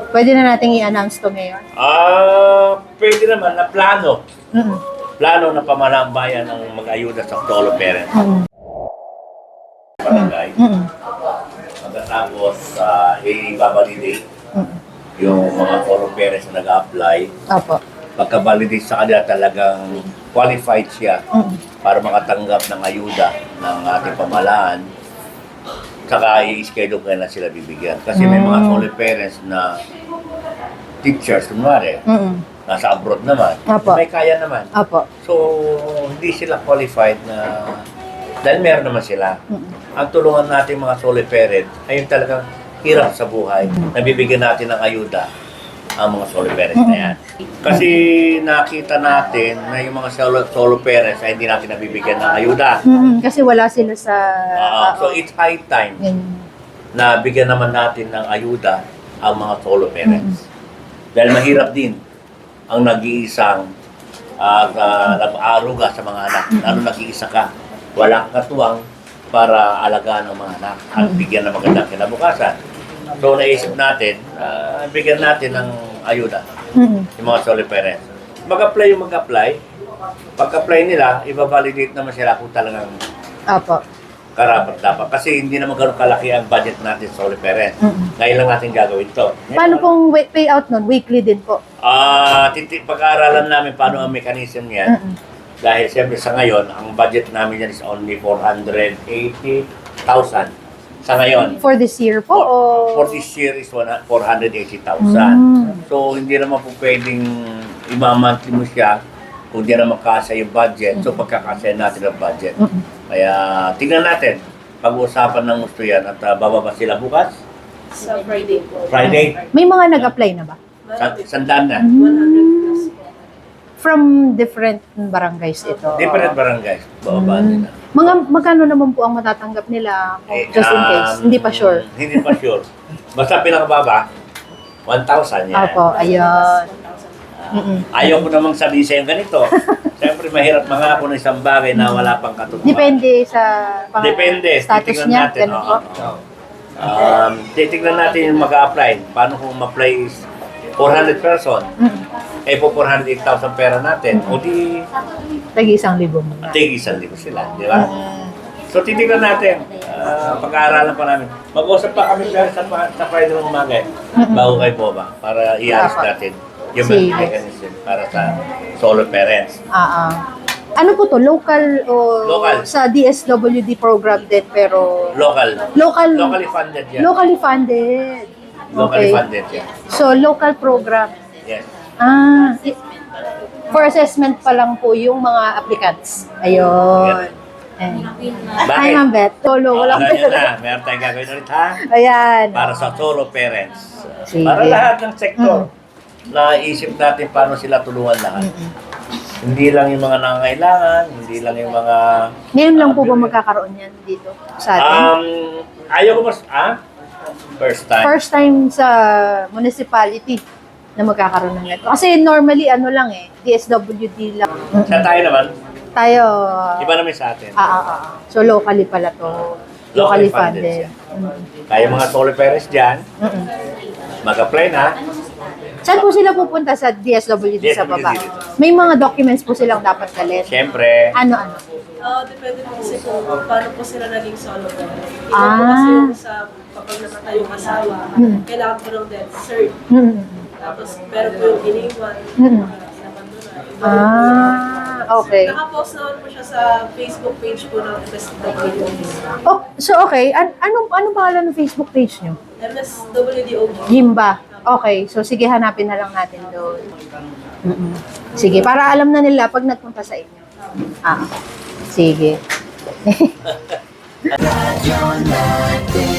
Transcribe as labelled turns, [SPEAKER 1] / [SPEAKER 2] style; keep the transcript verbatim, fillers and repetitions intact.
[SPEAKER 1] Pwede na nating i-announce to ngayon.
[SPEAKER 2] Ah, pwede naman na plano.
[SPEAKER 1] Mm-mm.
[SPEAKER 2] Plano na pamahalang bayan ang mag-ayuda sa solo parents.
[SPEAKER 1] Mm-mm.
[SPEAKER 2] Barangay.
[SPEAKER 1] Mm-mm.
[SPEAKER 2] Pagkatapos, uh, i-validate
[SPEAKER 1] Mm-mm.
[SPEAKER 2] yung mga solo parents na nag-apply.
[SPEAKER 1] Opo.
[SPEAKER 2] Pagka-validate sa kanila talagang qualified siya
[SPEAKER 1] Mm-mm.
[SPEAKER 2] para makatanggap ng ayuda ng ating pamahalaan. Saka i-schedule ka na sila bibigyan. Kasi may mga
[SPEAKER 1] Mm.
[SPEAKER 2] solo parents na teachers, kunwari,
[SPEAKER 1] Mm-mm.
[SPEAKER 2] nasa abroad naman,
[SPEAKER 1] Apo.
[SPEAKER 2] may kaya naman.
[SPEAKER 1] Opo.
[SPEAKER 2] So, hindi sila qualified na, dahil meron naman sila.
[SPEAKER 1] Mm-mm.
[SPEAKER 2] Ang tulungan natin mga solo parent ay yung talagang hirap sa buhay. Nabibigyan natin ng ayuda ang mga solo parents na yan. Kasi nakita natin na yung mga solo, solo parents ay hindi natin nabibigyan ng ayuda.
[SPEAKER 1] Mm-mm. Kasi wala sila sa...
[SPEAKER 2] Ah, so it's high time
[SPEAKER 1] Ganyan.
[SPEAKER 2] na bigyan naman natin ng ayuda ang mga solo parents. Dahil mahirap din ang nag-iisang uh, uh, nag-aaruga sa mga anak. Lalo nag-iisa ka, walang katuwang para alagaan ang mga anak at bigyan ng magandang kinabukasan. So naisip natin, uh, bigyan natin ng ayuda
[SPEAKER 1] Mm-mm.
[SPEAKER 2] yung mga solo parents. Mag-apply yung mag-apply. Pag-apply nila, i-validate naman sila kung talagang
[SPEAKER 1] Opo.
[SPEAKER 2] karapat dapat. Kasi hindi naman ganun kalaki ang budget natin sa solo parents.
[SPEAKER 1] Mm-mm.
[SPEAKER 2] Ngayon lang natin gagawin to.
[SPEAKER 1] Paano pong wa- payout nun? Weekly din po.
[SPEAKER 2] Ah, titi pag-aaralan namin paano ang mechanism niyan.
[SPEAKER 1] Mm-mm.
[SPEAKER 2] Dahil siyempre sa ngayon, ang budget namin yan is only four hundred eighty thousand. Sa ngayon.
[SPEAKER 1] For this year po? O...
[SPEAKER 2] For this year is four hundred eighty thousand.
[SPEAKER 1] Mm.
[SPEAKER 2] So, hindi naman po pwedeng imamonthly mo siya kung di naman kasya yung budget. So, pagkakasya natin ang budget.
[SPEAKER 1] Mm-mm.
[SPEAKER 2] Kaya, tingnan natin. Pag-uusapan ng gusto yan at uh, bababa sila bukas.
[SPEAKER 3] Sa Friday po.
[SPEAKER 2] Friday.
[SPEAKER 1] May mga nag-apply na ba?
[SPEAKER 2] Sa, sandaan na.
[SPEAKER 3] one hundred plus po.
[SPEAKER 1] From different barangays ito?
[SPEAKER 2] Different barangays. Bababa
[SPEAKER 1] Mm.
[SPEAKER 2] nila.
[SPEAKER 1] Mga magkano naman po ang matatanggap nila kung
[SPEAKER 2] Eh,
[SPEAKER 1] just in case?
[SPEAKER 2] um,
[SPEAKER 1] Hindi pa sure.
[SPEAKER 2] Hindi pa sure. Basta pinakababa, one thousand yan.
[SPEAKER 1] Opo, ayun. Mm-mm.
[SPEAKER 2] Ayaw ko namang sabihin sa'yo ganito. Siyempre, mahirap mangako ng isang bagay na wala pang katutuhan.
[SPEAKER 1] Depende sa pang-
[SPEAKER 2] Depende.
[SPEAKER 1] status
[SPEAKER 2] Titignan
[SPEAKER 1] niya.
[SPEAKER 2] natin.
[SPEAKER 1] Ganun
[SPEAKER 2] Oo,
[SPEAKER 1] po.
[SPEAKER 2] oo. Um, titignan natin yung mag-a-apply. Paano kung ma-apply is four hundred person?
[SPEAKER 1] Mm-mm.
[SPEAKER 2] Eh po four hundred eight thousand pera natin. O di,
[SPEAKER 1] Tagi isang libo muna.
[SPEAKER 2] tigisan din sila. Di ba?
[SPEAKER 1] Mm.
[SPEAKER 2] So, titignan natin. Ah, pag-aaralan pa namin. Mag-usap pa kami dahil sa, sa Friday ng umaga. eh. Bago kay Boba. Para i-alis
[SPEAKER 1] Dapat.
[SPEAKER 2] natin yung
[SPEAKER 1] Sige.
[SPEAKER 2] mechanism para sa solo parents.
[SPEAKER 1] Ah, ah. Ano po to? Local o
[SPEAKER 2] Local.
[SPEAKER 1] sa D S W D program din pero
[SPEAKER 2] Local.
[SPEAKER 1] local
[SPEAKER 2] Locally funded yan.
[SPEAKER 1] locally funded.
[SPEAKER 2] Locally
[SPEAKER 1] Okay.
[SPEAKER 2] funded yan.
[SPEAKER 1] So local program.
[SPEAKER 2] Yes.
[SPEAKER 1] Ah, i- for assessment pa lang po yung mga applicants. Ayun. Eh. Hi,
[SPEAKER 2] Bakit?
[SPEAKER 1] Ma'am Beth. Solo,
[SPEAKER 2] Oh,
[SPEAKER 1] walang
[SPEAKER 2] alam niyo
[SPEAKER 1] pera.
[SPEAKER 2] na, meron tayong gagawin ulit ha?
[SPEAKER 1] Ayan.
[SPEAKER 2] Para sa solo parents.
[SPEAKER 1] Sige.
[SPEAKER 2] Para lahat ng sektor. Naisip natin paano sila tulungan lahat. Hindi lang yung mga nangangailangan, hindi lang yung mga...
[SPEAKER 1] Ngayon lang po ba magkakaroon yan dito sa atin?
[SPEAKER 2] Um, ayaw ko mas... Ah? First time.
[SPEAKER 1] First time sa municipality na magkakaroon ng ito. Kasi normally ano lang eh, D S W D lang.
[SPEAKER 2] Sa tayo naman,
[SPEAKER 1] Tayo,
[SPEAKER 2] iba naman sa atin.
[SPEAKER 1] ah, ah, ah. So locally pala to. Locally
[SPEAKER 2] Locally funded
[SPEAKER 1] funded.
[SPEAKER 2] siya.
[SPEAKER 1] Mm.
[SPEAKER 2] Kaya mga solo parents dyan,
[SPEAKER 1] Mm-mm.
[SPEAKER 2] mag-apply na.
[SPEAKER 1] Saan po sila pupunta sa D S W D sa baba?
[SPEAKER 2] D S W D.
[SPEAKER 1] May mga documents po silang dapat dalhin.
[SPEAKER 2] Siyempre,
[SPEAKER 1] Ano-ano?
[SPEAKER 3] Ah, depende po kasi kung paano po sila naging solo parent. Iba po
[SPEAKER 1] Ah.
[SPEAKER 3] kasi yung sa kapag namatay yung asawa,
[SPEAKER 1] Hmm.
[SPEAKER 3] kailangan po ng death cert.
[SPEAKER 1] Mm.
[SPEAKER 3] Tapos, pero po yung iniwan,
[SPEAKER 1] Mm.
[SPEAKER 3] nabandonan.
[SPEAKER 1] Ah, okay.
[SPEAKER 3] Nakapost naman po siya sa Facebook page po ng M S W D O G.
[SPEAKER 1] Oh, so okay, An anong anong pangalan ng Facebook page nyo?
[SPEAKER 3] M S W D O G.
[SPEAKER 1] Gimba. Okay, so sige, hanapin na lang natin doon. Mm-mm. Sige, para alam na nila pag nagpunta sa inyo. Ah, sige.
[SPEAKER 4] Radyo natin.